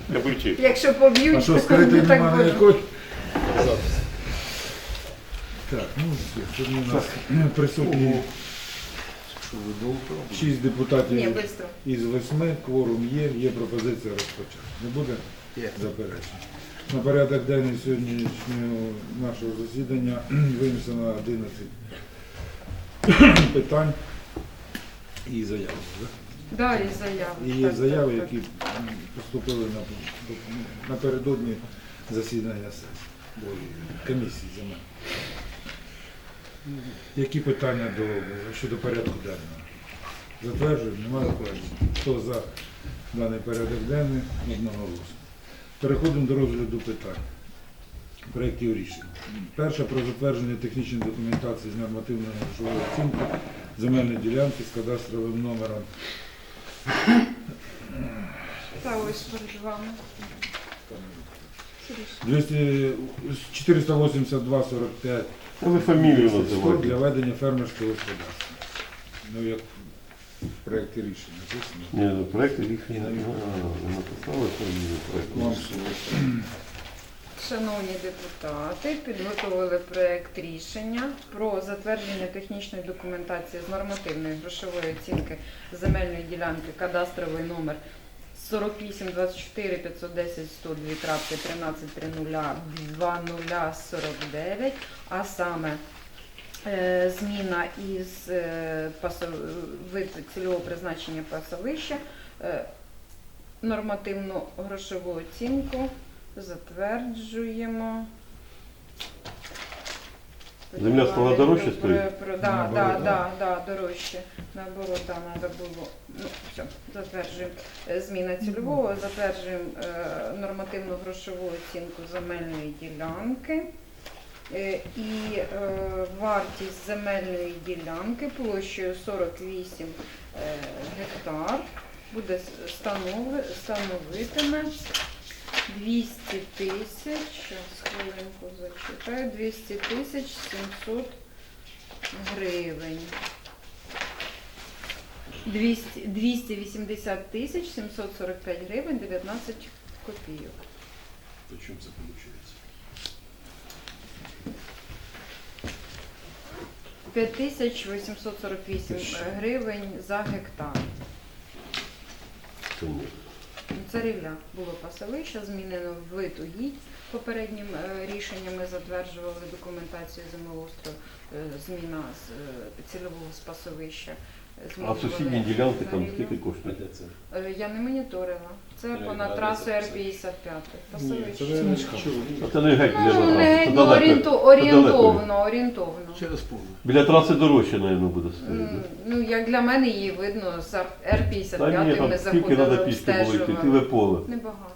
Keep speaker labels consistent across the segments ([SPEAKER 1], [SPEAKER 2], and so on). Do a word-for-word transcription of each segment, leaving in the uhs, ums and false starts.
[SPEAKER 1] Якщо поб'ють,
[SPEAKER 2] А що,
[SPEAKER 1] то
[SPEAKER 2] скритий
[SPEAKER 1] не так
[SPEAKER 2] нема
[SPEAKER 1] буде.
[SPEAKER 2] ніякої? Так, ну, сьогодні у нас присутні шість депутатів
[SPEAKER 1] Ні, швидко.
[SPEAKER 2] із восьми, кворум є, є пропозиція розпочати. Не буде
[SPEAKER 3] Є.
[SPEAKER 2] заперечень. На порядок денний сьогоднішнього нашого засідання винесено одинадцять питань і заяви. Да?
[SPEAKER 1] Да, і заяви.
[SPEAKER 2] І є
[SPEAKER 1] Так,
[SPEAKER 2] заяви,
[SPEAKER 1] так, так.
[SPEAKER 2] які м, поступили на- напередодні засідання сесії, бо комісії земель. Які питання до, щодо порядку денного? Затверджуємо? Немає заперечень? Хто за даний порядок денний? Одноголосно. Переходимо до розгляду питань. Проєктів рішень. Перше про затвердження технічної документації з нормативної грошової оцінки земельної ділянки з кадастровим номером
[SPEAKER 1] Та ось перед вами.
[SPEAKER 2] двісті чотириста вісімдесят два сорок п'ять
[SPEAKER 4] Ви фамілію
[SPEAKER 2] для
[SPEAKER 4] називаєте.
[SPEAKER 2] ведення фермерського господарства. Ну, як в проєкті рішення написано.
[SPEAKER 4] Ні, ну проєкт рішення. А, ви написали фамілію
[SPEAKER 2] Вам
[SPEAKER 4] проєкту.
[SPEAKER 2] слово.
[SPEAKER 1] Шановні депутати, підготовили проект рішення про затвердження технічної документації з нормативної грошової оцінки земельної ділянки кадастровий номер сорок вісім двадцять чотири п'ятсот десять сто два тринадцять тридцять два нуль сорок дев'ять, а саме е, зміна із е, пасов- вид цільового призначення пасовища, е, нормативну грошову оцінку затверджуємо.
[SPEAKER 4] Земля стала дорожче стоїть?
[SPEAKER 1] Про, про, да,
[SPEAKER 2] Наоборот,
[SPEAKER 1] да,
[SPEAKER 2] да.
[SPEAKER 1] да, да, дорожче. Наоборот, да, треба було. Ну, все, затверджуємо е, зміна цільового, затверджуємо е, нормативну грошову оцінку земельної ділянки. Е, і е, вартість земельної ділянки площею сорок вісім е, гектар буде станови, становитиме двісті тисяч, зараз хвилинку зачитаю, двісті тисяч сімсот гривень. двісті, двісті вісімдесят тисяч сімсот сорок п'ять гривень дев'ятнадцять копійок.
[SPEAKER 3] Почему це виходить?
[SPEAKER 1] п'ять тисяч вісімсот сорок вісім гривень за гектар.
[SPEAKER 4] Це ні.
[SPEAKER 1] Царівля було пасовище, змінено в вид угідь. Попереднім е, рішенням ми затверджували документацію землеустрою, е, зміна з е, цільового з пасовища.
[SPEAKER 4] А
[SPEAKER 1] Змінювали
[SPEAKER 4] сусідні ділянки там
[SPEAKER 1] царівлю.
[SPEAKER 4] скільки коштують?
[SPEAKER 1] Е, Я не моніторила. Це
[SPEAKER 3] Я
[SPEAKER 1] понад
[SPEAKER 3] не
[SPEAKER 1] трасу
[SPEAKER 3] знаю,
[SPEAKER 1] Р
[SPEAKER 3] це-
[SPEAKER 1] п'ятдесят п'ять.
[SPEAKER 3] Ні, це
[SPEAKER 1] Пасовище.
[SPEAKER 3] не
[SPEAKER 4] А це не геть біля
[SPEAKER 1] Ну, не
[SPEAKER 4] траси. Це
[SPEAKER 1] ну,
[SPEAKER 4] далеко.
[SPEAKER 1] орієнту,
[SPEAKER 4] Це далеко.
[SPEAKER 1] орієнтовно, орієнтовно.
[SPEAKER 3] Через поле.
[SPEAKER 4] Біля траси дорожче, мабуть, буде стоїти.
[SPEAKER 1] М,
[SPEAKER 4] да?
[SPEAKER 1] Ну, як для мене її видно, з Р п'ятдесят
[SPEAKER 4] Та ні,
[SPEAKER 1] п'ять ми
[SPEAKER 4] там скільки треба
[SPEAKER 1] заходили,
[SPEAKER 4] пішки було йти, ціле
[SPEAKER 1] обстежували.
[SPEAKER 4] поле.
[SPEAKER 1] Небагато.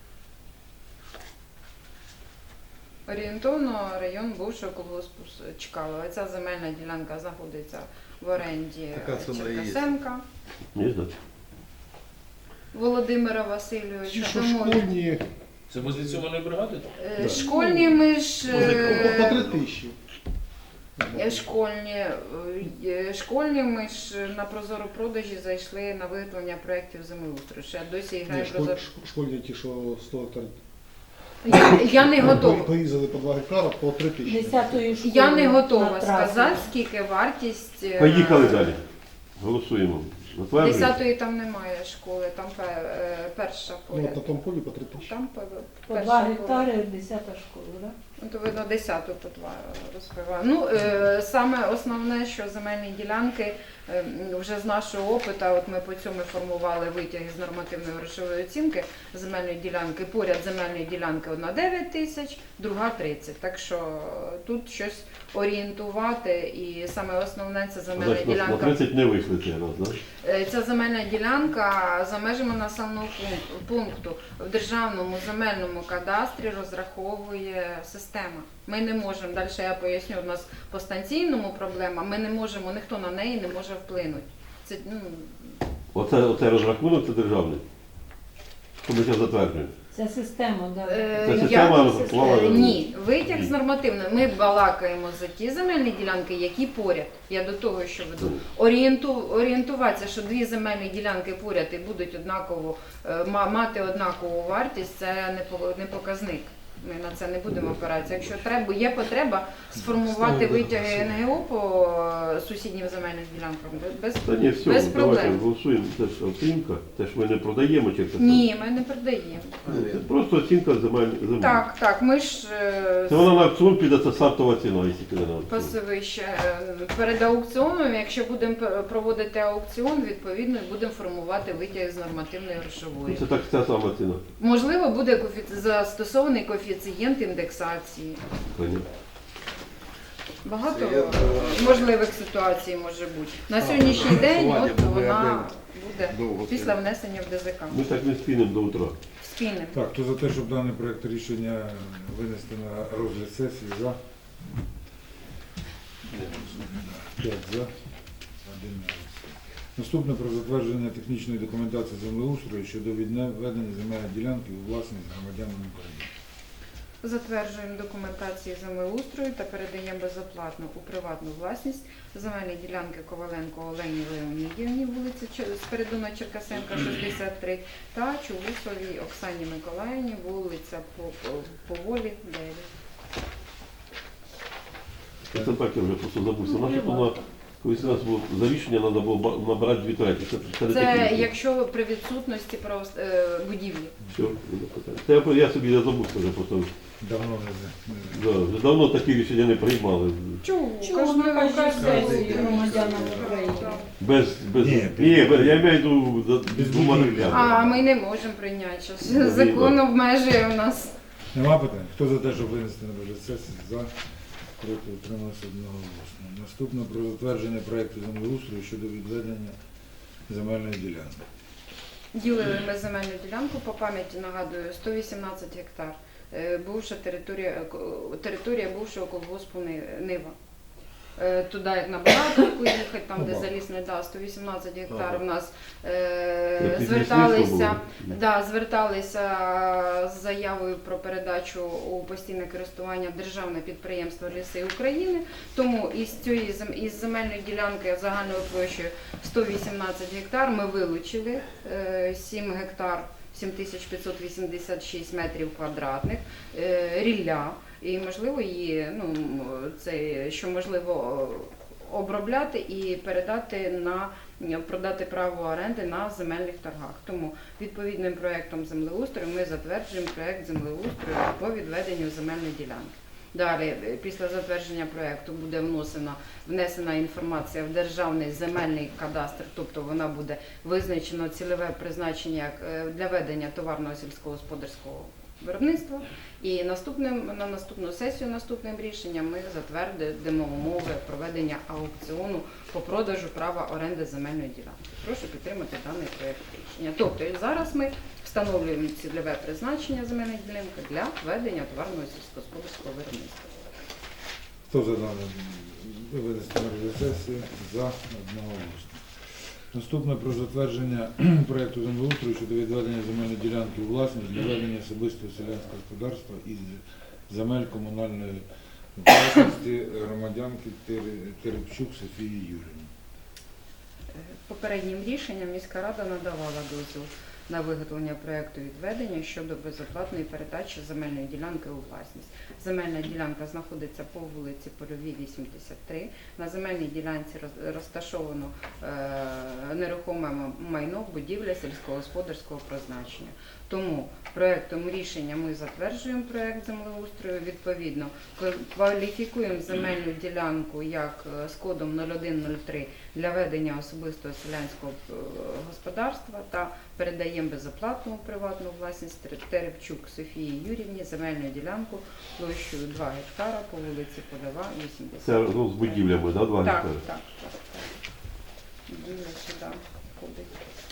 [SPEAKER 1] Орієнтовно район бувшого колгоспу Чкалова. Ця земельна ділянка знаходиться в оренді
[SPEAKER 3] Така ціна і є.
[SPEAKER 1] Черкасенка
[SPEAKER 4] Є, значить.
[SPEAKER 1] Володимира
[SPEAKER 3] Ті,
[SPEAKER 1] Васильовича.
[SPEAKER 3] що
[SPEAKER 1] Тому,
[SPEAKER 3] школьні,
[SPEAKER 5] Це возле цьоманої бригади?
[SPEAKER 1] е, Школьні ми ж... е,
[SPEAKER 3] по три тисячі.
[SPEAKER 1] е, Школьні, е, школьні ми ж на прозоро продажі зайшли на виготовлення проєктів землеустрою. Ще досі
[SPEAKER 3] Ні,
[SPEAKER 1] грає
[SPEAKER 3] школь-
[SPEAKER 1] прозоро.
[SPEAKER 3] шк- Школьні ті, що сто гектар.
[SPEAKER 1] Я, я не готова.
[SPEAKER 3] Порізали по два гектара по три тисячі.
[SPEAKER 6] Десятої школи.
[SPEAKER 1] Я не готова
[SPEAKER 6] на трасі.
[SPEAKER 1] сказати, скільки вартість. е,
[SPEAKER 4] Поїхали далі. Голосуємо. Затверджуємо.
[SPEAKER 1] Десятої там немає школи, там пе- е, перша
[SPEAKER 3] Ну,
[SPEAKER 1] поля.
[SPEAKER 3] от на тому полі по три тисячі.
[SPEAKER 1] Там пе-
[SPEAKER 6] По
[SPEAKER 1] перша
[SPEAKER 6] два
[SPEAKER 1] поля.
[SPEAKER 6] гектари десята школа, так?
[SPEAKER 1] Ну, то видно, десяту по два розпиваю. Ну, е, саме основне, що земельні ділянки, е, вже з нашого опиту, от ми по цьому формували витяги з нормативної грошової оцінки земельної ділянки. Поряд земельної ділянки одна дев'ять тисяч, друга тридцять. Так що тут щось орієнтувати, і саме основне це земельна
[SPEAKER 4] Значить, на- на
[SPEAKER 1] ділянка.
[SPEAKER 4] тридцять не вийшли цей раз, так?
[SPEAKER 1] Е, Ця земельна ділянка за межами населеного пунк- пункту в державному земельному кадастрі розраховує система. Ми не можемо, далі я поясню, у нас по станційному проблема, ми не можемо, ніхто на неї не може вплинути. Це, ну,
[SPEAKER 4] Оце, оце розрахунок, це державний. Що ми зараз затверджуємо?
[SPEAKER 6] Це система, да.
[SPEAKER 1] Е,
[SPEAKER 4] Це
[SPEAKER 1] я-
[SPEAKER 4] система
[SPEAKER 1] е,
[SPEAKER 4] плаває?
[SPEAKER 1] Ні, витяг з нормативною. Ми балакаємо за ті земельні ділянки, які поряд. Я до того, що веду. Орієнту, орієнтуватися, що дві земельні ділянки поряд і будуть однаково е, ма- мати однакову вартість, це не по- не показник. Ми на це не будемо опиратися. Якщо треба, є потреба сформувати витяги ен ге о по е, сусіднім земельним ділянкам, без,
[SPEAKER 4] Та ні, все,
[SPEAKER 1] без
[SPEAKER 4] давайте
[SPEAKER 1] проблем.
[SPEAKER 4] голосуємо. Це ж оцінка, це ж ми не продаємо чи це?
[SPEAKER 1] Ні, ми не продаємо.
[SPEAKER 4] Це просто оцінка земель. земель.
[SPEAKER 1] Так, так, ми ж е,
[SPEAKER 4] Це вона на аукціон піде, це стартова ціна, якщо піде на аукціон.
[SPEAKER 1] пасовище. Перед аукціоном, якщо будемо п- проводити аукціон, відповідно і будемо формувати витяг з нормативної
[SPEAKER 4] Ну,
[SPEAKER 1] грошової.
[SPEAKER 4] це так ця сама ціна.
[SPEAKER 1] Можливо, буде коефі- застосований коефіцієнт індексації.
[SPEAKER 4] Понятно.
[SPEAKER 1] Багато е, можливих ситуацій може бути. На сьогоднішній день от вона буде після внесення в де зе ка.
[SPEAKER 4] Ми так не спінемо до утра.
[SPEAKER 1] Спільним.
[SPEAKER 2] Так, хто за те, щоб даний проект рішення винести на розгляд сесії? За? П'ять за. Один не голосує. Наступне про затвердження технічної документації землеустрою щодо відведення земельної ділянки у власність громадянам України.
[SPEAKER 1] Затверджуємо документації землеустрою та передаємо безоплатно у приватну власність земельні ділянки Коваленко Олені Леонідівні, вулиця Чер- Спиридона Черкасенка, шістдесят три, та Чулусовій Оксані Миколаївні, вулиця По- По- Поволі, дев'ять.
[SPEAKER 4] Я це так я вже просто забувся. Наше то на колись у нас було за рішення треба було ба- набирати дві треті. Це, це, не
[SPEAKER 1] Це
[SPEAKER 4] технічно.
[SPEAKER 1] якщо при відсутності про е, будівлі.
[SPEAKER 4] Все, не питання. Це я, я собі не забувся вже просто.
[SPEAKER 2] Давно не за-
[SPEAKER 4] Да, вже давно такі рішення не приймали.
[SPEAKER 1] Чого?
[SPEAKER 6] Чого на кожній сесії громадянам України?
[SPEAKER 4] Без, без,
[SPEAKER 2] Ні,
[SPEAKER 4] ні, без- я маю в виду за-
[SPEAKER 2] Без
[SPEAKER 4] двома
[SPEAKER 2] будівлі.
[SPEAKER 4] руками.
[SPEAKER 1] А ми не можемо прийняти. Щас.
[SPEAKER 4] Ну,
[SPEAKER 1] Закон
[SPEAKER 4] вірно.
[SPEAKER 1] обмежує у нас.
[SPEAKER 2] Нема питань? Хто за те, щоб винести на розгляд сесії? За. Проти утрималося одноголосно. Наступне про затвердження проекту землеустрою щодо відведення земельної ділянки.
[SPEAKER 1] Ділили ми земельну ділянку, по пам'яті нагадую, сто вісімнадцять гектар. Е, Бувша територія, е, ко- територія бувшого колгоспу Ни- Нива. Е, Туди як на Багатовку їхати, там де
[SPEAKER 2] Ага.
[SPEAKER 1] залісний, да, сто вісімнадцять гектар
[SPEAKER 4] Ага.
[SPEAKER 1] у нас
[SPEAKER 4] Це
[SPEAKER 1] е,
[SPEAKER 4] під
[SPEAKER 1] зверталися,
[SPEAKER 4] лісництво
[SPEAKER 1] да, зверталися з заявою про передачу у постійне користування державне підприємство Ліси України. Тому із цієї зем- із земельної ділянки загальною площею сто вісімнадцять гектар ми вилучили е, сім гектар, сім тисяч п'ятсот вісімдесят шість метрів квадратних, е, рілля. І можливо її, ну це що можливо обробляти і передати на продати право оренди на земельних торгах. Тому відповідним проектом землеустрою ми затверджуємо проект землеустрою по відведенню земельної ділянки. Далі, е, після затвердження проекту буде вносена внесена інформація в державний земельний кадастр, тобто вона буде визначено цільове призначення як, е, для ведення товарного сільськогосподарського виробництва. І наступним на наступну сесію, наступним рішенням ми затвердимо умови проведення аукціону по продажу права оренди земельної ділянки. Прошу підтримати даний проект рішення. Тобто і зараз ми встановлюємо цільове призначення земельної ділянки для ведення товарного сільськогосподарського виробництва.
[SPEAKER 2] Хто за дане винести на розгляд сесії? За. Одноголосно. Наступне про затвердження проекту землеустрою щодо відведення земельної ділянки у власність для ведення особистого селянського господарства із земель комунальної власності громадянки Тер- Терепчук Софії Юріївні.
[SPEAKER 1] Попереднім рішенням міська рада надавала дозвіл на виготовлення проекту відведення щодо безоплатної передачі земельної ділянки у власність. Земельна ділянка знаходиться по вулиці Польовій, вісімдесят три. На земельній ділянці роз- розташовано е, нерухоме м- майно, будівля сільськогосподарського призначення. Тому проектом рішення ми затверджуємо проект землеустрою, відповідно ква- кваліфікуємо земельну ділянку як е, з кодом нуль один нуль три для ведення особистого селянського е, господарства та передаємо безоплатну приватну власність Тер- Терепчук Софії Юрівні земельну ділянку площею два гектара по вулиці Польова, вісімдесят.
[SPEAKER 4] Це ну, з будівлями, да, два
[SPEAKER 1] Так,
[SPEAKER 4] гектари?
[SPEAKER 1] так, так, так. Будівля сюди входить.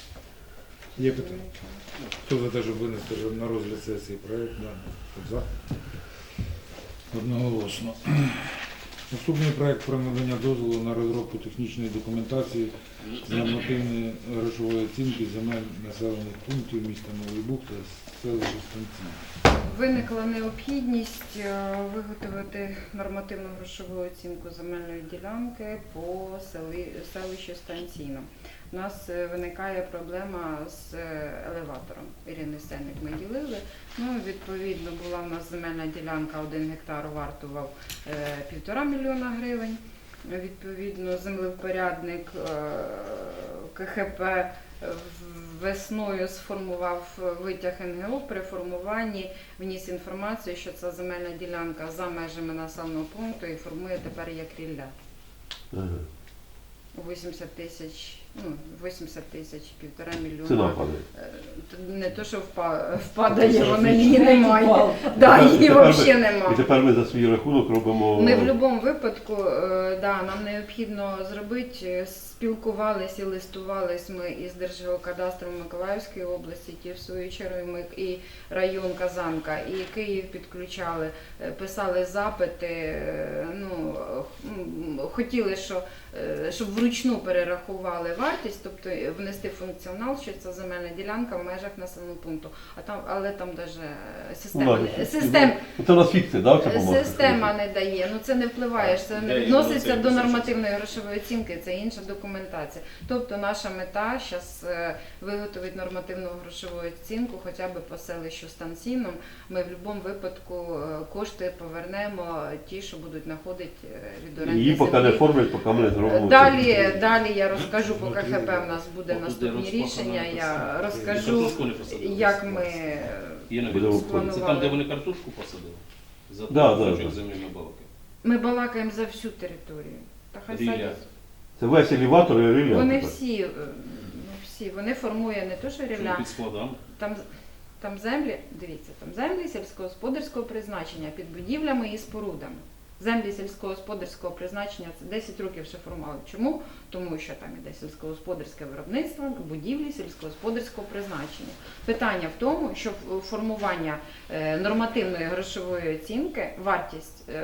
[SPEAKER 2] Є питання? Хто за те, щоб винести на розгляд сесії проект? Да. Хто за? Одноголосно. Наступний проект про надання дозволу на розробку технічної документації з нормативної грошової оцінки земель населених пунктів міста Новий Буг та селища Станції.
[SPEAKER 1] Виникла необхідність е, виготовити нормативну грошову оцінку земельної ділянки по сели, селищу Станційно. У нас е, виникає проблема з е, елеватором. Ірини Сенник ми ділили. Ну, відповідно, була в нас земельна ділянка, один гектар вартував е, півтора мільйона гривень. Відповідно, землевпорядник е, КХП весною сформував витяг ен ге о, при формуванні вніс інформацію, що ця земельна ділянка за межами населеного пункту і формує тепер як рілля.
[SPEAKER 4] Ага.
[SPEAKER 1] вісімдесят тисяч, ну, вісімдесят тисяч, півтора мільйона.
[SPEAKER 4] Ціна падає.
[SPEAKER 1] Е, Не то, що впа- впадає, вона її немає. Да, її
[SPEAKER 4] тепер ми-
[SPEAKER 1] взагалі
[SPEAKER 4] І
[SPEAKER 1] немає.
[SPEAKER 4] тепер ми за свій рахунок робимо.
[SPEAKER 1] Ми в будь-якому випадку, е, да, нам необхідно зробити, е, спілкувались і листувались ми із Держгеокадастром Миколаївської області, ті в свою чергу ми і район Казанка, і Київ підключали, е, писали запити, е, ну, м, хотіли, що, е, щоб вручну перерахували вартість, тобто внести функціонал, що це земельна ділянка в межах населеного пункту. А там, але там навіть система,
[SPEAKER 4] Ну,
[SPEAKER 1] не-
[SPEAKER 4] да,
[SPEAKER 1] систем,
[SPEAKER 4] Це у нас фікція, да, ця бумага?
[SPEAKER 1] Система не дає, ну це не впливає, ж це не
[SPEAKER 5] Де
[SPEAKER 1] відноситься
[SPEAKER 5] воно це
[SPEAKER 1] до
[SPEAKER 5] відноситься?
[SPEAKER 1] нормативної грошової оцінки, це інша документація. Тобто наша мета зараз виготовити нормативну грошову оцінку хоча б по селищу Станційном. Ми в будь-якому випадку е, кошти повернемо ті, що будуть знаходити е, від оренди
[SPEAKER 4] Її поки не
[SPEAKER 1] землі.
[SPEAKER 4] оформлять, поки ми не зробимо.
[SPEAKER 1] Далі, далі я розкажу, по КХП в нас буде
[SPEAKER 5] Отут, де
[SPEAKER 1] наступні
[SPEAKER 5] розпахана
[SPEAKER 1] рішення, я
[SPEAKER 5] писана.
[SPEAKER 1] розкажу,
[SPEAKER 5] Картошку не посадили?
[SPEAKER 1] як ми е,
[SPEAKER 5] Є на
[SPEAKER 4] Буде
[SPEAKER 5] відео.
[SPEAKER 4] виходити.
[SPEAKER 5] Це там, де вони картошку посадили? За
[SPEAKER 4] Да, да,
[SPEAKER 5] кусочок
[SPEAKER 4] да.
[SPEAKER 5] землі на балки.
[SPEAKER 1] ми балакаємо за всю територію. Та хай
[SPEAKER 5] Рілля.
[SPEAKER 1] садять.
[SPEAKER 4] Це весь елеватор і рілля.
[SPEAKER 1] Вони
[SPEAKER 4] тепер.
[SPEAKER 1] всі, е, ну, всі, вони формує не то, що
[SPEAKER 5] Що
[SPEAKER 1] рілля,
[SPEAKER 5] під складами.
[SPEAKER 1] там, там землі, дивіться, там землі сільськогосподарського призначення під будівлями і спорудами. Землі сільськогосподарського призначення це десять років ще формували. Чому? Тому що там іде сільськогосподарське виробництво, будівлі сільськогосподарського призначення. Питання в тому, що в- формування е, нормативної грошової оцінки, вартість е,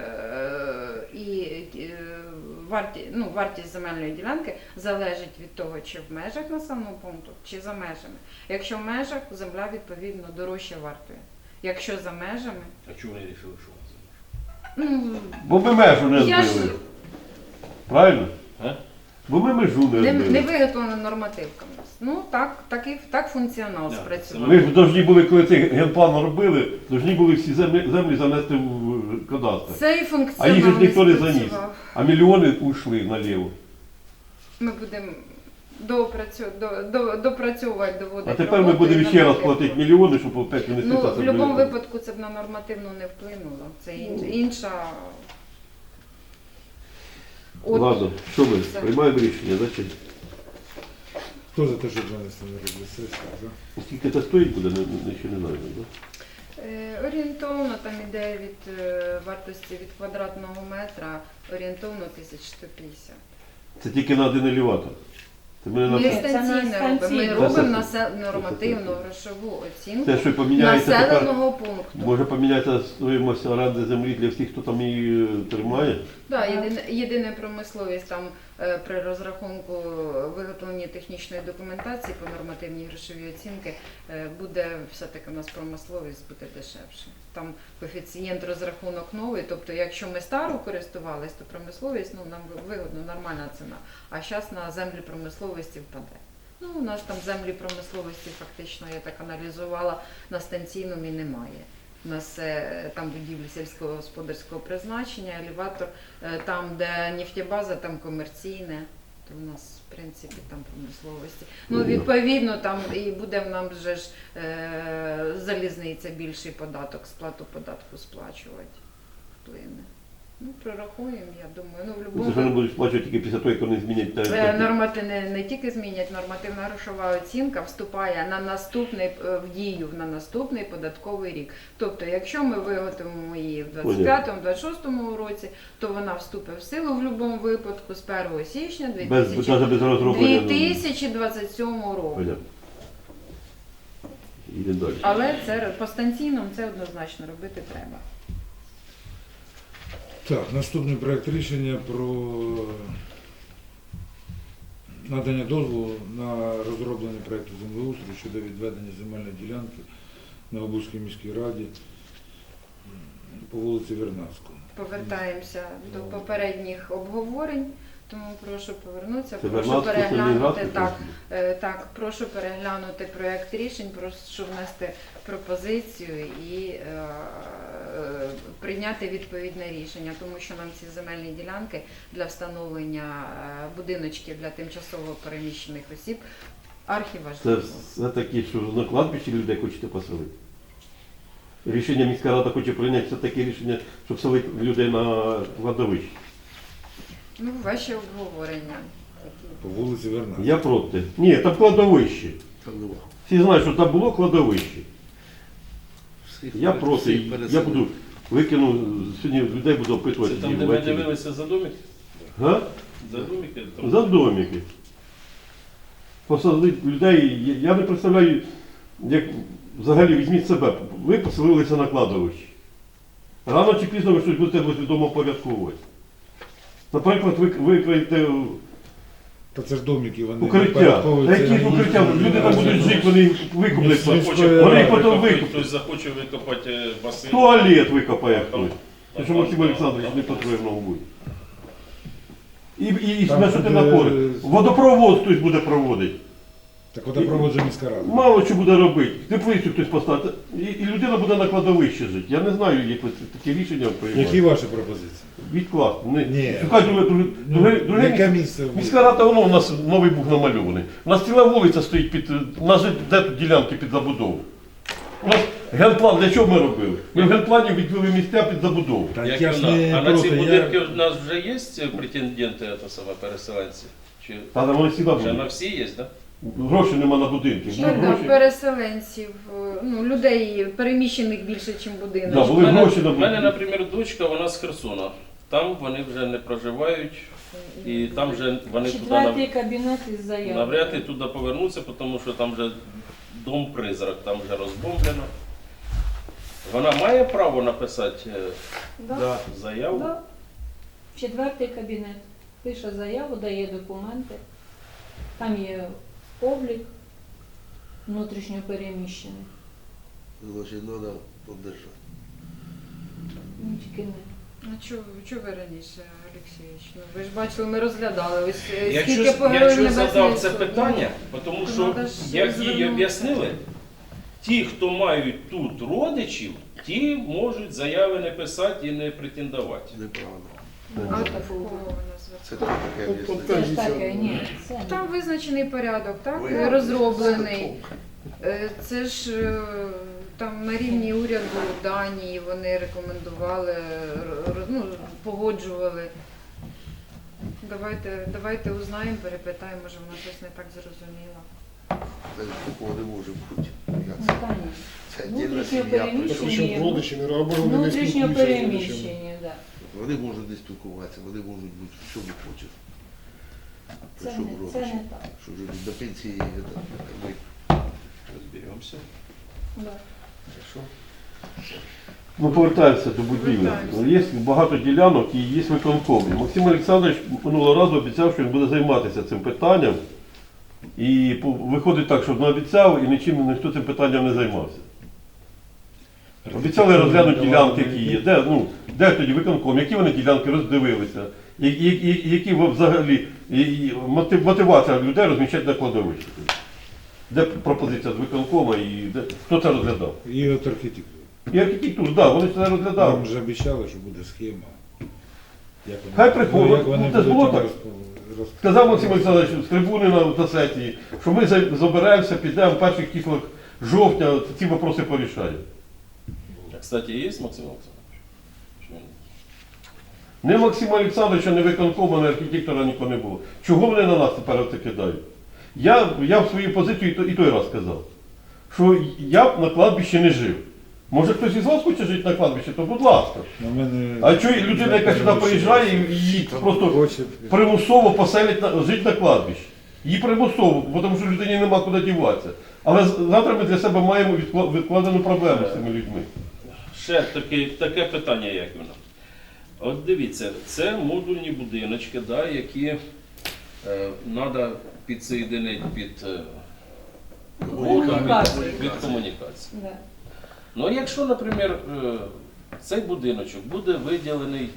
[SPEAKER 1] і е, варті, ну, вартість земельної ділянки залежить від того, чи в межах населеного пункту, чи за межами. Якщо в межах, земля відповідно дорожче вартує. Якщо за межами,
[SPEAKER 5] А чого вони вирішили, що це?
[SPEAKER 1] ну
[SPEAKER 4] Бо ми межу не
[SPEAKER 1] я ж
[SPEAKER 4] збили. Правильно?
[SPEAKER 5] А?
[SPEAKER 4] Бо ми межу не
[SPEAKER 1] не, не
[SPEAKER 4] збили.
[SPEAKER 1] виготовлена нормативка в нас. Ну так, так, і, так функціонал
[SPEAKER 5] Да,
[SPEAKER 1] спрацював.
[SPEAKER 4] Ми ж повинні були, коли цей генплан робили, повинні були всі землі, землі занести в кадастр.
[SPEAKER 1] Цей
[SPEAKER 4] А
[SPEAKER 1] функціонал
[SPEAKER 4] їх же ж ніхто не заніс.
[SPEAKER 1] спрацював.
[SPEAKER 4] А мільйони ушли наліво.
[SPEAKER 1] Ми будемо доопрацю... до... До... допрацьовувати, доводити.
[SPEAKER 4] А тепер ми
[SPEAKER 1] роботу і
[SPEAKER 4] будемо ще раз
[SPEAKER 1] нормативку.
[SPEAKER 4] платити мільйони, щоб опять внести
[SPEAKER 1] Ну,
[SPEAKER 4] це
[SPEAKER 1] в
[SPEAKER 4] собі.
[SPEAKER 1] будь-якому випадку це б на нормативну не вплинуло. Це ін-
[SPEAKER 4] Ну.
[SPEAKER 1] інша. От,
[SPEAKER 4] Ладно, що ми?
[SPEAKER 1] Все.
[SPEAKER 4] Приймаємо рішення, значить.
[SPEAKER 2] Хто за те, щоб занести на розгляд сесії? За?
[SPEAKER 4] Скільки це стоїть буде, не, не, ще не знаю. Да?
[SPEAKER 1] Е, Орієнтовно там іде від е, вартості від квадратного метра орієнтовно тисяч сто п'ятдесят.
[SPEAKER 4] Це тільки на один елеватор. Це ми
[SPEAKER 1] Ми
[SPEAKER 4] на...
[SPEAKER 6] Ні, це
[SPEAKER 1] станційно
[SPEAKER 6] на
[SPEAKER 1] робимо. Ми
[SPEAKER 6] станційно.
[SPEAKER 1] робимо
[SPEAKER 4] Це
[SPEAKER 1] насе- нормативну грошову оцінку
[SPEAKER 4] Те, що поміняється тепер,
[SPEAKER 1] населеного пункту.
[SPEAKER 4] може поміняється стоїмость оренди землі для всіх, хто там її е, тримає.
[SPEAKER 1] Да, єдине, єдине промисловість там е, при розрахунку виготовлення технічної документації по нормативній грошовій оцінки е, буде все-таки у нас промисловість буде дешевше. Там коефіцієнт розрахунок новий, тобто якщо ми стару користувались, то промисловість ну, нам вигодно, нормальна ціна. А зараз на землі промисловості впаде. Ну, у нас там землі промисловості фактично, я так аналізувала, на станційному і немає. У нас е, там будівлі сільськогосподарського призначення, елеватор, е, там, де нефтебаза, там комерційне, то в нас, в принципі, там промисловості. Ну, відповідно, там і буде в нам вже ж е, залізниця більший податок, сплату податку сплачувати вплине. Ну, прорахуємо, я думаю. Ну, в
[SPEAKER 4] Це
[SPEAKER 1] любому
[SPEAKER 4] ж вони будуть сплачувати тільки після того, як вони змінять
[SPEAKER 1] Е,
[SPEAKER 4] те.
[SPEAKER 1] Нормати не, не тільки змінять, нормативна грошова оцінка вступає на наступний е, в дію на наступний податковий рік. Тобто, якщо ми виготовимо її в двадцять п'ятому двадцять шостому році, то вона вступить в силу в будь-якому випадку з першого січня
[SPEAKER 4] Без, навіть без розроблення.
[SPEAKER 1] дві тисячі двадцять сьомого року.
[SPEAKER 4] Понятно. Йдемо далі.
[SPEAKER 1] Але це по станційному це однозначно робити треба.
[SPEAKER 2] Так, наступний проект рішення про надання дозволу на розроблення проекту землеустрою щодо відведення земельної ділянки на Обузькій міській раді по вулиці Вернадського.
[SPEAKER 1] Повертаємося до попередніх обговорень, тому прошу повернутися,
[SPEAKER 4] Це
[SPEAKER 1] прошу
[SPEAKER 4] Вернадський, це
[SPEAKER 1] переглянути
[SPEAKER 4] Ленинградський,
[SPEAKER 1] так,
[SPEAKER 4] це?
[SPEAKER 1] е, так, прошу переглянути проект рішень, прошу внести пропозицію і е, е, прийняти відповідне рішення, тому що нам ці земельні ділянки для встановлення е, будиночків для тимчасово переміщених осіб
[SPEAKER 4] Це
[SPEAKER 1] архіважливо.
[SPEAKER 4] все таки, що на кладбищі людей хочете поселити. Рішення міська рада хоче прийняти все таке рішення, щоб селити людей на кладовище.
[SPEAKER 1] Ну, ваші обговорення такі.
[SPEAKER 2] По вулиці Вернадського.
[SPEAKER 4] Я проти. Ні, там кладовище. Всі знають, що там було кладовище. Я проти. Я буду викину, сьогодні людей буду
[SPEAKER 5] Це
[SPEAKER 4] опитувати.
[SPEAKER 5] там, де ми
[SPEAKER 4] ввечері.
[SPEAKER 5] дивилися за домик?
[SPEAKER 4] Га?
[SPEAKER 5] За домики? Там-
[SPEAKER 4] За домики. Посадити людей, я- я не представляю, як взагалі візьміть себе, ви поселилися на кладовищі. Рано чи пізно ви щось будете відомо порядковувати. Наприклад, ви викриєте
[SPEAKER 2] Та це ж домики, вони
[SPEAKER 4] укриття. Та
[SPEAKER 2] впорядковуються,
[SPEAKER 4] які ж укриття?
[SPEAKER 2] їздять,
[SPEAKER 4] Люди там будуть жити, вони викуплять.
[SPEAKER 5] Захоче
[SPEAKER 4] Вони їх потім
[SPEAKER 5] викопати,
[SPEAKER 4] викуплять.
[SPEAKER 5] хтось захоче викопати е, басейн.
[SPEAKER 4] Туалет викопає хтось.
[SPEAKER 5] Там-
[SPEAKER 4] Тому що Максим Олександрович не потрібно буде. І, і, і
[SPEAKER 2] Там
[SPEAKER 4] на що ти
[SPEAKER 2] буде-
[SPEAKER 4] напори? Водопровод хтось буде проводити.
[SPEAKER 2] Так водопровод же міська рада.
[SPEAKER 4] Мало що буде робити. Теплицю хтось поставити. І, і людина буде на кладовищі жити. Я не знаю, як ви це- такі рішення приймаєте.
[SPEAKER 2] Які ваші пропозиції?
[SPEAKER 4] Відкласти. Не,
[SPEAKER 2] Ні.
[SPEAKER 4] Шукай друге, друге,
[SPEAKER 2] Ну,
[SPEAKER 4] друге, друге
[SPEAKER 2] яке
[SPEAKER 4] місце.
[SPEAKER 2] місце?
[SPEAKER 4] Міська рада, воно у нас новий бух намальований. У нас ціла вулиця стоїть під. У нас же де тут ділянки під забудову. У нас генплан, для чого ми робили? Ми в генплані відвели місця під забудову.
[SPEAKER 2] Та
[SPEAKER 5] Як
[SPEAKER 2] я ж
[SPEAKER 5] вона?
[SPEAKER 2] не
[SPEAKER 5] А на ці
[SPEAKER 2] проти,
[SPEAKER 5] будинки
[SPEAKER 2] я...
[SPEAKER 5] у нас вже є претенденти, це саме переселенці? Чи
[SPEAKER 4] Та там вони всі
[SPEAKER 5] вже на
[SPEAKER 4] будуть.
[SPEAKER 5] всі є, так?
[SPEAKER 4] Грошей нема на будинки. Ну,
[SPEAKER 1] Так, да,
[SPEAKER 4] гроші.
[SPEAKER 1] переселенців, е, ну, людей переміщених більше, ніж
[SPEAKER 4] Да,
[SPEAKER 1] будинок.
[SPEAKER 4] були гроші на
[SPEAKER 5] У мене,
[SPEAKER 4] будинки.
[SPEAKER 5] наприклад, дочка, вона з Херсона. Там вони вже не проживають, і там вже вони туди
[SPEAKER 6] Четвертий
[SPEAKER 5] нав-
[SPEAKER 6] кабінет із заявою.
[SPEAKER 5] навряд ли туди повернуться, тому що там вже дом-призрак, там вже розбомблено. Вона має право написати е,
[SPEAKER 6] Да.
[SPEAKER 5] заяву?
[SPEAKER 6] Да. Четвертий кабінет. Пише заяву, дає документи. Там є облік внутрішньо переміщений.
[SPEAKER 7] Значит, надо поддержать.
[SPEAKER 6] Ну, тільки не.
[SPEAKER 1] А чого чого ви раніше, Олексійович? Ну, ви ж бачили, ми розглядали. Ось е,
[SPEAKER 5] Я
[SPEAKER 1] скільки
[SPEAKER 5] чого
[SPEAKER 1] по
[SPEAKER 5] я
[SPEAKER 1] Герою
[SPEAKER 5] чого
[SPEAKER 1] Небесної
[SPEAKER 5] задав це
[SPEAKER 1] Сотні.
[SPEAKER 5] питання, тому
[SPEAKER 1] Ну,
[SPEAKER 5] що,
[SPEAKER 1] надо ж
[SPEAKER 5] як їй
[SPEAKER 1] звернутися.
[SPEAKER 5] об'яснили, ті, хто мають тут родичів, ті можуть заяви не писати і не претендувати.
[SPEAKER 7] Неправильно.
[SPEAKER 1] А до кого вона звертається?
[SPEAKER 7] Це таке
[SPEAKER 3] От- от
[SPEAKER 7] об'яснення.
[SPEAKER 6] Це ж таке, ні. Це не.
[SPEAKER 1] Там визначений порядок, так?
[SPEAKER 7] Ви-
[SPEAKER 1] Розроблений. Е, Це ж е, там на рівні уряду Данії вони рекомендували, р- р- ну, погоджували. Давайте, давайте узнаємо, перепитаємо, може вона щось не так зрозуміла.
[SPEAKER 7] Це такого не може бути. Як
[SPEAKER 6] Ну,
[SPEAKER 7] це?
[SPEAKER 6] конечно.
[SPEAKER 7] Це отдельна
[SPEAKER 6] Внутрішньо
[SPEAKER 7] сім'я.
[SPEAKER 6] переміщені.
[SPEAKER 7] причому
[SPEAKER 3] Причому родичі не або вони не
[SPEAKER 6] Внутрішньо
[SPEAKER 3] спілкуються з родичами.
[SPEAKER 6] переміщені, так.
[SPEAKER 7] Вони можуть не спілкуватися, вони можуть бути в чому хочуть.
[SPEAKER 6] Це
[SPEAKER 7] Причому
[SPEAKER 6] не, це
[SPEAKER 7] родичі.
[SPEAKER 6] не так.
[SPEAKER 7] Що вже до пенсії це, ми
[SPEAKER 5] Розберемося.
[SPEAKER 6] Да.
[SPEAKER 7] хорошо.
[SPEAKER 4] Ну, повертаємося до будівлі.
[SPEAKER 1] Повертаємося.
[SPEAKER 4] Є багато ділянок і є виконком. І Максим Олександрович минулого разу обіцяв, що він буде займатися цим питанням. І по- виходить так, що він обіцяв і нічим ніхто цим питанням не займався. Обіцяли розглянути ділянки, які є. Де, ну, де тоді виконком, які вони ділянки роздивилися, і, і, і, які взагалі і, і мотив- мотивація людей розміщати на кладовищі. Де пропозиція з виконкома і де, хто це розглядав?
[SPEAKER 2] І от архітектура.
[SPEAKER 4] І архітектуру, так, да, вони це розглядали.
[SPEAKER 2] Нам вже обіцяли, що буде схема. Як вони-
[SPEAKER 4] Хай приходять.
[SPEAKER 2] ну, як вони
[SPEAKER 4] Ну, це ж
[SPEAKER 2] будуть
[SPEAKER 4] було так.
[SPEAKER 2] розп- розп-
[SPEAKER 4] Сказав Максим Олександрович з трибуни на, на сесії, що ми за- заберемося, підемо в перших числах жовтня, ці вопроси порішаємо.
[SPEAKER 5] А, кстати, є Максим Олександрович? Чи ні?
[SPEAKER 4] Не Максима Олександровича, не виконкома, не архітектора нікого не було. Чого вони на нас тепер це кидають? Я, я в свою позицію і той, і той раз сказав, що я б на кладбищі не жив. Може хтось із вас хоче жити на кладбищі, то будь ласка.
[SPEAKER 2] На мене...
[SPEAKER 4] А чого людина, яка сюди приїжджає і її просто
[SPEAKER 2] Хоче...
[SPEAKER 4] примусово поселять на жити на кладбищі. Її примусово, бо тому що людині нема куди діватися. Але з- завтра ми для себе маємо відкла- відкладену проблему з цими людьми.
[SPEAKER 5] Ще таке, таке питання, як воно. От дивіться, це модульні будиночки, да, які треба підсоєдинити під, е,
[SPEAKER 6] Комунікації.
[SPEAKER 5] під, під комунікацію.
[SPEAKER 6] Да.
[SPEAKER 5] Ну, якщо, наприклад, е, цей будиночок буде виділений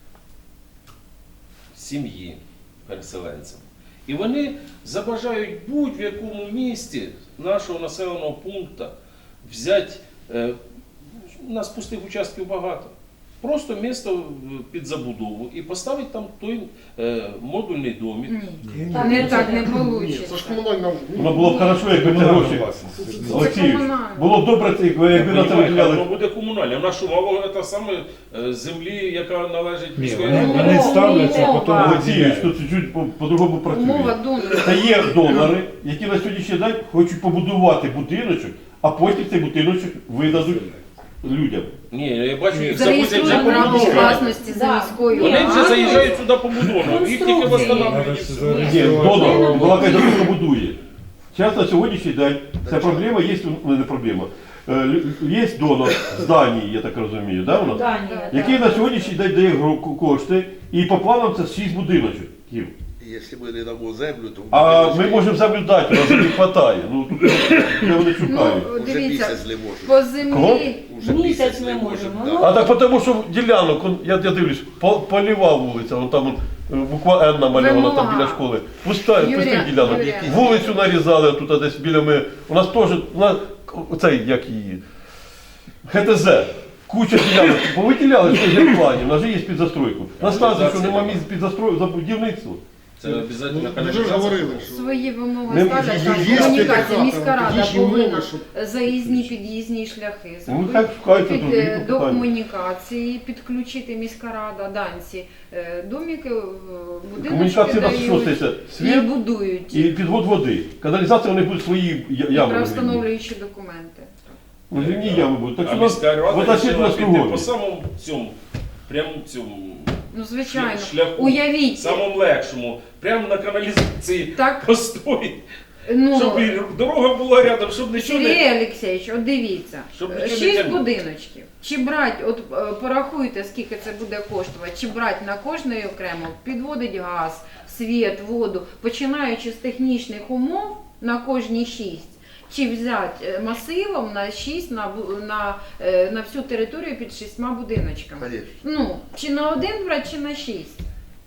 [SPEAKER 5] сім'ї переселенцям, і вони забажають будь-в якому місті нашого населеного пункту взяти, е, у нас пустих участків багато, просто місто під забудову і поставити там той е, модульний домик.
[SPEAKER 1] Ні,
[SPEAKER 6] Так,
[SPEAKER 1] не
[SPEAKER 6] ну,
[SPEAKER 1] так
[SPEAKER 6] це
[SPEAKER 1] не
[SPEAKER 6] не-
[SPEAKER 3] Ні,
[SPEAKER 1] вийде.
[SPEAKER 3] це ж комунальна...
[SPEAKER 4] Воно було б хорошо, якби це гроші. Олексій,
[SPEAKER 1] комунальне.
[SPEAKER 4] було б добре, якби якби на це
[SPEAKER 5] Воно
[SPEAKER 4] виділяли.
[SPEAKER 5] буде комунальне. В нашу мало це саме е, землі, яка належить
[SPEAKER 2] Ні,
[SPEAKER 5] міської
[SPEAKER 2] вони,
[SPEAKER 5] ради.
[SPEAKER 2] вони ставляться,
[SPEAKER 1] Умова.
[SPEAKER 2] потім
[SPEAKER 4] Олексійович,
[SPEAKER 2] виділяють.
[SPEAKER 4] тут чуть-чуть по- по-другому
[SPEAKER 1] Умова
[SPEAKER 4] працює.
[SPEAKER 1] донора.
[SPEAKER 4] Та є донори, які на сьогоднішній день хочуть побудувати будиночок, а потім цей будиночок видадуть людям.
[SPEAKER 5] Ні, я бачу, їх завозять вже
[SPEAKER 1] Зареєструють право
[SPEAKER 5] побудовані.
[SPEAKER 1] власності за
[SPEAKER 6] Да.
[SPEAKER 1] міською
[SPEAKER 5] Вони вже
[SPEAKER 1] радою.
[SPEAKER 5] заїжджають сюди побудовано, їх тільки
[SPEAKER 6] Конструкції.
[SPEAKER 5] встановлюють. і
[SPEAKER 2] Треба
[SPEAKER 5] все.
[SPEAKER 2] зареєструвати.
[SPEAKER 4] Ні, донор,
[SPEAKER 1] Ну,
[SPEAKER 4] балакай за хто будує. Зараз на сьогоднішній день ця проблема є, ну не проблема. Е, лю- Є донор з Данії, я так розумію, да, у нас?
[SPEAKER 6] Данія,
[SPEAKER 4] Який
[SPEAKER 6] так.
[SPEAKER 4] на сьогоднішній день дає гро- кошти, і по планам це шість будиночків.
[SPEAKER 7] Якщо ми не дамо землю, то
[SPEAKER 4] А ми можемо землю дати, у нас не вистачає. Ну, тут де вони шукають.
[SPEAKER 1] Ну,
[SPEAKER 7] вже
[SPEAKER 1] дивіться,
[SPEAKER 7] місяць не можемо.
[SPEAKER 1] по землі.
[SPEAKER 7] Уже
[SPEAKER 6] Місяць не можемо. Ну,
[SPEAKER 4] А так тому, що ділянок, он, я, я дивлюсь, по- поліва вулиця, вон там он, е, буква Н намальована там
[SPEAKER 1] Вимога.
[SPEAKER 4] біля школи. Пуста,
[SPEAKER 1] Юрія,
[SPEAKER 4] пустих ділянок.
[SPEAKER 1] Юрія.
[SPEAKER 4] Вулицю нарізали тут десь біля ми. У нас теж, у нас, оцей, як її, ГТЗ. Куча ділянок повиділяли, що є в плані, у нас же є під застройку. У нас сказано, що нема місць під застройку за будівництво.
[SPEAKER 5] Це обов'язково
[SPEAKER 3] Ну, вже ж
[SPEAKER 5] каналізація.
[SPEAKER 3] говорили, що...
[SPEAKER 1] Свої вимоги
[SPEAKER 4] Не-
[SPEAKER 1] ставлять,
[SPEAKER 3] є-
[SPEAKER 1] так,
[SPEAKER 3] є
[SPEAKER 1] комунікація,
[SPEAKER 3] специфіка,
[SPEAKER 1] міська рада
[SPEAKER 3] технічні
[SPEAKER 1] повинна
[SPEAKER 3] умови, щоб-
[SPEAKER 1] заїзні, під'їзні шляхи
[SPEAKER 4] Ну, хай шукають
[SPEAKER 1] під,
[SPEAKER 4] тут,
[SPEAKER 1] е,
[SPEAKER 4] які
[SPEAKER 1] до
[SPEAKER 4] питання.
[SPEAKER 1] комунікації, підключити міська рада, данці, е, домики, е, будиночки
[SPEAKER 4] Комунікація у нас що
[SPEAKER 1] дають
[SPEAKER 4] стається?
[SPEAKER 1] і
[SPEAKER 4] Світ
[SPEAKER 1] будують,
[SPEAKER 4] і підвод води. Каналізація у них будуть свої я-
[SPEAKER 1] і
[SPEAKER 4] ями.
[SPEAKER 1] правовстановлюючі документи.
[SPEAKER 4] Ну, земні ями будуть. Так
[SPEAKER 5] А
[SPEAKER 4] що у нас
[SPEAKER 5] міська рада
[SPEAKER 4] вода ще
[SPEAKER 5] вирішила
[SPEAKER 4] на
[SPEAKER 5] піти
[SPEAKER 4] кругом.
[SPEAKER 5] по самому цьому, прямо цьому
[SPEAKER 1] Ну, звичайно,
[SPEAKER 5] шляху,
[SPEAKER 1] уявіть,
[SPEAKER 5] самому легшому, прямо на каналізації
[SPEAKER 1] так,
[SPEAKER 5] постої,
[SPEAKER 1] ну,
[SPEAKER 5] щоб і дорога була рядом, щоб нічого не...
[SPEAKER 1] Сергій Олексійович, от дивіться,
[SPEAKER 5] Щоб нічого не
[SPEAKER 1] шість
[SPEAKER 5] тягнути.
[SPEAKER 1] будиночків. Чи брати, от е, порахуйте, скільки це буде коштувати, чи брати на кожний окремо, підводить газ, світ, воду, починаючи з технічних умов на кожні шість, чи взяти е, масивом на шість, на, бу- на, е, на всю територію під шістьма будиночками.
[SPEAKER 7] Конечно.
[SPEAKER 1] Ну, чи на один брати, чи на шість.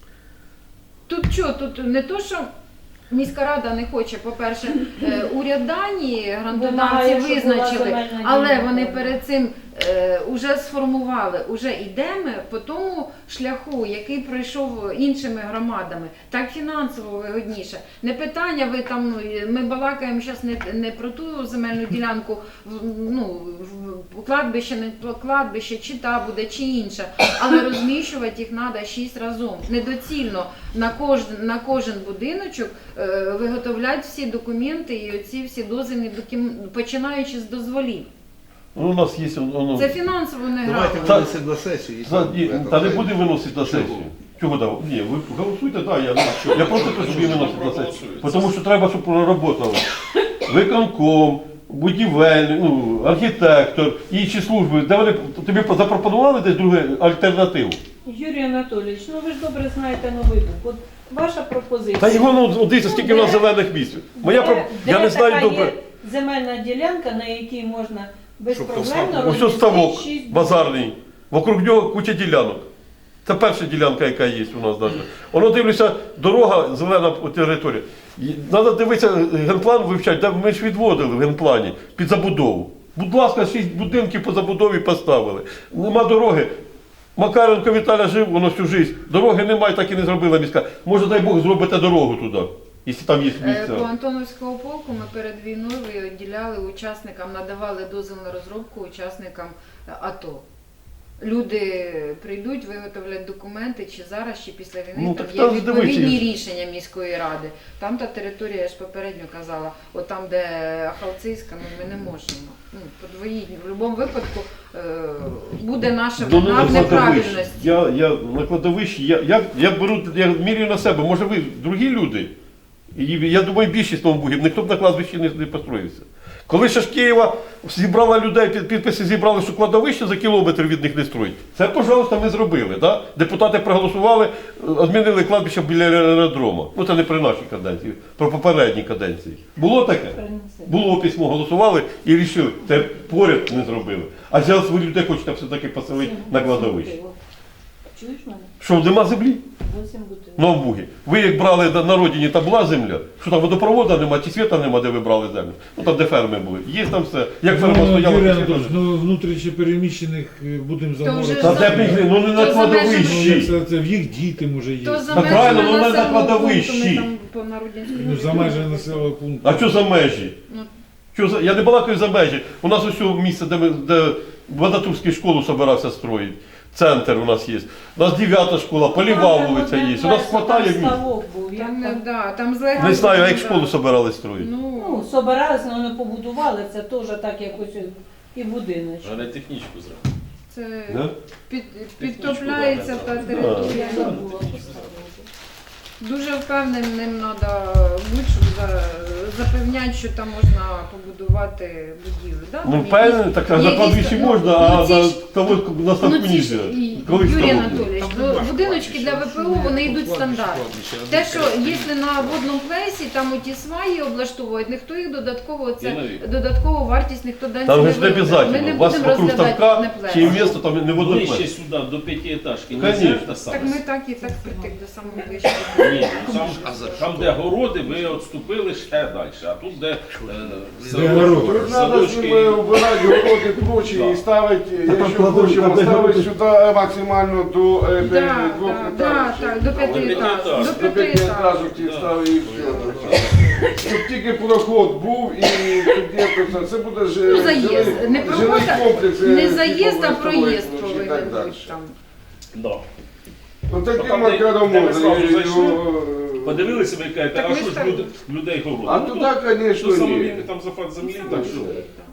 [SPEAKER 1] Тут що, тут не то, що міська рада не хоче, по-перше, е, уряд Данії, грантодавці
[SPEAKER 6] Вимагає, щоб була
[SPEAKER 1] визначили,
[SPEAKER 6] земельна
[SPEAKER 1] але
[SPEAKER 6] ділянка.
[SPEAKER 1] вони перед цим е, уже сформували, уже йдемо по тому шляху, який пройшов іншими громадами. Так фінансово вигодніше. Не питання, ви там, ми балакаємо зараз не, не про ту земельну ділянку, в- ну, в кладбище, не кладбище, чи та буде, чи інша, але розміщувати їх треба шість разом. Недоцільно на кожен, на кожен будиночок е, виготовляти всі документи і оці всі дозвільні документи, починаючи з дозволів.
[SPEAKER 4] Ну, у нас є воно.
[SPEAKER 1] Це фінансово не
[SPEAKER 7] Давайте
[SPEAKER 1] грамотно.
[SPEAKER 4] Та-
[SPEAKER 7] винесемо на сесію. і
[SPEAKER 4] За-
[SPEAKER 7] там
[SPEAKER 4] ні,
[SPEAKER 7] буде
[SPEAKER 4] Та не
[SPEAKER 7] така-
[SPEAKER 4] буде виносити на
[SPEAKER 7] Чого?
[SPEAKER 4] сесію. Чого дав? Ні, ви голосуйте, так, я, я просто кажу, щоб її виносити на сесію.
[SPEAKER 5] Проголосується.
[SPEAKER 4] Тому що треба, щоб проработало. Виконком, будівельник, ну, архітектор, інші служби, де вони тобі запропонували десь другу альтернативу.
[SPEAKER 6] Юрій Анатолійович, ну ви ж добре знаєте Новий Буг. От ваша пропозиція.
[SPEAKER 4] Та його ну дивіться, скільки в нас
[SPEAKER 6] де-
[SPEAKER 4] зелених місць. Моя
[SPEAKER 6] Де-
[SPEAKER 4] про
[SPEAKER 6] де
[SPEAKER 4] я не знаю
[SPEAKER 6] така
[SPEAKER 4] добре.
[SPEAKER 6] є земельна ділянка, на якій можна
[SPEAKER 7] Щоб
[SPEAKER 6] безпроблемно
[SPEAKER 7] поставити.
[SPEAKER 4] Ось ось ставок
[SPEAKER 6] шість
[SPEAKER 4] базарний. Вокруг нього куча ділянок. Це перша ділянка, яка є у нас навіть. Воно дивлюся, дорога, зелена територія. Треба дивитися, генплан вивчати, де ми ж відводили в генплані під забудову. Будь ласка, шість будинків по забудові поставили. Нема дороги. Макаренко Віталя жив, воно всю життя. Дороги немає, так і не зробила міська. Може, дай Бог, зробите дорогу туди, якщо там є
[SPEAKER 1] Е, По
[SPEAKER 4] місце.
[SPEAKER 1] Антоновського полку ми перед війною виділяли учасникам, надавали дозвіл на розробку учасникам е, АТО. Люди прийдуть, виготовлять документи, чи зараз, чи після війни.
[SPEAKER 4] Ну,
[SPEAKER 1] там
[SPEAKER 4] так
[SPEAKER 1] є
[SPEAKER 4] там
[SPEAKER 1] відповідні
[SPEAKER 4] здивуйся.
[SPEAKER 1] рішення міської ради. Там та територія, я ж попередньо казала, от там, де Ахалцийська, ну, ми не можемо. Ну, подвоїть. В будь-якому випадку е, буде наша
[SPEAKER 4] Ну,
[SPEAKER 1] вина в
[SPEAKER 4] на кладовищі.
[SPEAKER 1] неправильності.
[SPEAKER 4] Я, я на кладовищі, я, я, я беру, я міряю на себе, може ви другі люди. І я думаю, більшість Новобугів, ніхто б на кладовищі не, не построївся. Коли ще ж Києва зібрала людей, під- підписи зібрали, що кладовище за кілометр від них не строїть. Це, пожалуйста, ми зробили. Да? Депутати проголосували, відмінили кладбище біля аеродрому. Ну це не при нашій каденції, про попередній каденції. Було таке?
[SPEAKER 6] Принеси.
[SPEAKER 4] Було письмо, голосували і рішили. Це поряд не зробили. А зараз ви людей хочете все-таки поселити на кладовище.
[SPEAKER 6] Чуєш мене?
[SPEAKER 4] Що, нема землі?
[SPEAKER 6] Вісім бутилок.
[SPEAKER 4] На Бугі. Ви як брали на родині, там була земля, що там водопроводу нема, чи світа нема, де ви брали землю. Ну там, де ферми були. Є там все. Як ферма
[SPEAKER 2] Ну,
[SPEAKER 4] стояла,
[SPEAKER 2] Юрій
[SPEAKER 4] то
[SPEAKER 2] Анатолійович,
[SPEAKER 4] світа
[SPEAKER 2] ну внутрішньо переміщених е, будемо
[SPEAKER 1] вже
[SPEAKER 2] замовити.
[SPEAKER 4] Та
[SPEAKER 1] за-
[SPEAKER 4] де б їх, ну не на
[SPEAKER 1] То за межами-
[SPEAKER 2] Ну,
[SPEAKER 4] кладовищі.
[SPEAKER 2] це, це в їх діти може є.
[SPEAKER 1] То за
[SPEAKER 4] Та правильно,
[SPEAKER 1] межами
[SPEAKER 4] ну, на
[SPEAKER 1] населеного
[SPEAKER 4] кладовищі.
[SPEAKER 1] пункту, ми там по Народянській
[SPEAKER 2] Ну, за майже населеного пункту.
[SPEAKER 4] А що за межі?
[SPEAKER 1] Ну.
[SPEAKER 4] Що за... Я не балакаю за межі. У нас ось у місце, де, ми, де Вадатурську школу собирався строїти. Центр у нас є. У нас дев'ята школа, Поліва вулиця є. У нас хватає місць.
[SPEAKER 6] Ставок був. як
[SPEAKER 1] Там, не-
[SPEAKER 6] там.
[SPEAKER 1] да, там злегка.
[SPEAKER 4] Не знаю, а як
[SPEAKER 1] да.
[SPEAKER 4] школу собирали строїти.
[SPEAKER 1] Ну,
[SPEAKER 6] Ну, собиралися, але не побудували, це теж так якось і будиночок.
[SPEAKER 5] А не технічку зробити.
[SPEAKER 1] це
[SPEAKER 4] Да?
[SPEAKER 1] під, підтопляється та
[SPEAKER 6] Я
[SPEAKER 1] територія.
[SPEAKER 6] забула поставити.
[SPEAKER 1] Дуже впевненим треба бути, щоб за- запевняти, що там можна побудувати будівлю. Да?
[SPEAKER 4] Ну,
[SPEAKER 1] Там
[SPEAKER 4] впевнений, так а
[SPEAKER 1] є
[SPEAKER 4] за кладбище
[SPEAKER 1] якісь-
[SPEAKER 4] можна,
[SPEAKER 1] ну,
[SPEAKER 4] а
[SPEAKER 1] ці
[SPEAKER 4] за
[SPEAKER 1] ж-
[SPEAKER 4] того на ставку
[SPEAKER 1] Ну, ці
[SPEAKER 4] не
[SPEAKER 1] ж,
[SPEAKER 4] можна.
[SPEAKER 1] і-
[SPEAKER 4] Коли
[SPEAKER 1] Юрій
[SPEAKER 4] ставок?
[SPEAKER 1] Анатолійович, ну, будиночки для ВПО, вони йдуть стандарт. Те, що якщо на водному плесі там оті сваї облаштовують, ніхто їх додатково, це
[SPEAKER 5] Єнові.
[SPEAKER 1] додаткову вартість ніхто дасть
[SPEAKER 4] Там
[SPEAKER 1] не
[SPEAKER 4] же ж не
[SPEAKER 1] виведе. Ми
[SPEAKER 4] обов'язково.
[SPEAKER 1] не
[SPEAKER 4] У вас
[SPEAKER 1] будемо
[SPEAKER 4] вокруг
[SPEAKER 1] розглядати
[SPEAKER 4] ставка
[SPEAKER 1] на
[SPEAKER 4] чи
[SPEAKER 1] плесі.
[SPEAKER 4] місто там не
[SPEAKER 5] Ближче
[SPEAKER 4] водоплет.
[SPEAKER 5] сюди, до п'ятиэтажки, не
[SPEAKER 4] Конечно.
[SPEAKER 5] те саме.
[SPEAKER 1] Так ми так і так притик до самого ближчого.
[SPEAKER 5] Ні, ну, там, там, де городи, ви відступили ще далі, а тут, де е,
[SPEAKER 2] Де городи?
[SPEAKER 8] Тут надо
[SPEAKER 5] садочки.
[SPEAKER 8] чтобы убирать городи прочі
[SPEAKER 5] Да.
[SPEAKER 8] і ставити, якщо
[SPEAKER 4] кладовища,
[SPEAKER 8] хочемо,
[SPEAKER 4] де
[SPEAKER 8] ставити
[SPEAKER 4] городи?
[SPEAKER 8] сюди максимально до е,
[SPEAKER 1] Да,
[SPEAKER 8] двох
[SPEAKER 1] да, да, так, до п'яти
[SPEAKER 5] п'ятиэтажок.
[SPEAKER 1] етажів. До
[SPEAKER 8] До
[SPEAKER 1] п'яти
[SPEAKER 8] п'яти
[SPEAKER 1] етажів.
[SPEAKER 8] етажів ставити і все. Щоб тільки проход був і тоді це, це буде ж
[SPEAKER 1] Ну, заїзд.
[SPEAKER 8] жилий-
[SPEAKER 1] Не
[SPEAKER 8] жилий
[SPEAKER 1] проход, а-
[SPEAKER 8] комплекс. е,
[SPEAKER 1] не заїзд, а
[SPEAKER 8] типовий
[SPEAKER 1] проїзд
[SPEAKER 8] столовий, і
[SPEAKER 1] повинен
[SPEAKER 8] так далі.
[SPEAKER 1] бути там.
[SPEAKER 5] Да.
[SPEAKER 8] Ну таким
[SPEAKER 5] Там, де-
[SPEAKER 8] макаром
[SPEAKER 5] де ми
[SPEAKER 8] можна.
[SPEAKER 5] зразу
[SPEAKER 8] і
[SPEAKER 5] зайшли,
[SPEAKER 8] його, е,
[SPEAKER 5] Подивилися, ви кажете,
[SPEAKER 1] Так
[SPEAKER 5] а
[SPEAKER 1] ми
[SPEAKER 5] що
[SPEAKER 1] ж
[SPEAKER 5] ж
[SPEAKER 1] так-
[SPEAKER 5] люди, людей городи?
[SPEAKER 8] А
[SPEAKER 5] Ну,
[SPEAKER 8] туди,
[SPEAKER 5] то
[SPEAKER 8] звісно,
[SPEAKER 5] самовільний
[SPEAKER 8] ні.
[SPEAKER 5] там зафат землі,
[SPEAKER 1] Саме
[SPEAKER 5] так що
[SPEAKER 1] так.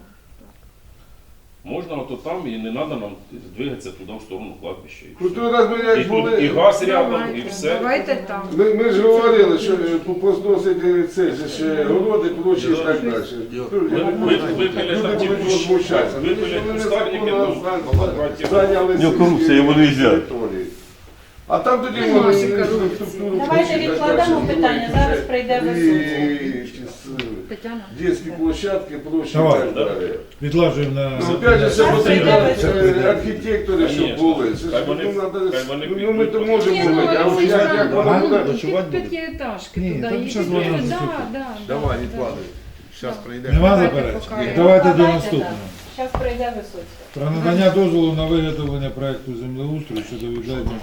[SPEAKER 5] можна ото там і не треба нам двигатися туди в сторону кладбища. і
[SPEAKER 8] Ну
[SPEAKER 5] все.
[SPEAKER 8] то раз ми
[SPEAKER 5] І
[SPEAKER 8] як
[SPEAKER 5] тут і
[SPEAKER 8] були.
[SPEAKER 5] газ рядом, і
[SPEAKER 1] Давайте,
[SPEAKER 5] все.
[SPEAKER 1] давайте там.
[SPEAKER 8] Ми, ми ж говорили, що е, позносити це ж ще городи, площі і так далі.
[SPEAKER 5] Ви- ви- Випили там ті
[SPEAKER 8] Люди будуть
[SPEAKER 5] кущ-
[SPEAKER 8] возмущатися.
[SPEAKER 5] випили
[SPEAKER 8] Вони
[SPEAKER 5] кустарники,
[SPEAKER 8] незаконно
[SPEAKER 5] то
[SPEAKER 8] зан- зайняли
[SPEAKER 4] У нього корупція, йому не можна.
[SPEAKER 8] території. А там тоді
[SPEAKER 1] Нема
[SPEAKER 8] вони
[SPEAKER 1] ще корупції.
[SPEAKER 8] інфраструктуру
[SPEAKER 6] Давайте
[SPEAKER 8] включать,
[SPEAKER 6] відкладемо
[SPEAKER 8] так,
[SPEAKER 6] питання,
[SPEAKER 8] що
[SPEAKER 6] зараз прийде Висоцький.
[SPEAKER 8] і ці с-
[SPEAKER 1] Тетяна.
[SPEAKER 8] дитячі площадки, площі і
[SPEAKER 2] Давай.
[SPEAKER 8] так далі.
[SPEAKER 2] Відлажуємо на...
[SPEAKER 8] Ну, опять же, це
[SPEAKER 6] Зараз
[SPEAKER 8] потрібно
[SPEAKER 6] прийде
[SPEAKER 8] е, архітектори, щоб
[SPEAKER 5] Конечно.
[SPEAKER 8] були. Це ж
[SPEAKER 5] Хай вони-
[SPEAKER 8] ну, надо-
[SPEAKER 5] хай вони
[SPEAKER 8] ну, ми то
[SPEAKER 5] підуть.
[SPEAKER 8] можемо
[SPEAKER 1] Ні, ну,
[SPEAKER 8] говорити, а от
[SPEAKER 1] Олексій,
[SPEAKER 8] як, як
[SPEAKER 1] там,
[SPEAKER 8] воно
[SPEAKER 1] ну,
[SPEAKER 8] буде.
[SPEAKER 3] ночувати
[SPEAKER 1] під
[SPEAKER 3] буде?
[SPEAKER 1] п'ятиэтажки
[SPEAKER 2] Ні,
[SPEAKER 1] туди.
[SPEAKER 2] там
[SPEAKER 1] і
[SPEAKER 2] щас
[SPEAKER 1] під-
[SPEAKER 2] вона
[SPEAKER 1] да,
[SPEAKER 2] наступить.
[SPEAKER 1] да,
[SPEAKER 7] Давай,
[SPEAKER 1] да,
[SPEAKER 7] відкладуй. Зараз
[SPEAKER 1] Да.
[SPEAKER 7] прийде.
[SPEAKER 2] Нема
[SPEAKER 1] Давайте
[SPEAKER 2] заперечень?
[SPEAKER 1] поки.
[SPEAKER 2] Давайте до
[SPEAKER 6] Давайте,
[SPEAKER 2] наступного.
[SPEAKER 6] Зараз прийде Висоцька.
[SPEAKER 2] Про надання дозволу на виготовлення проекту землеустрою щодо відведення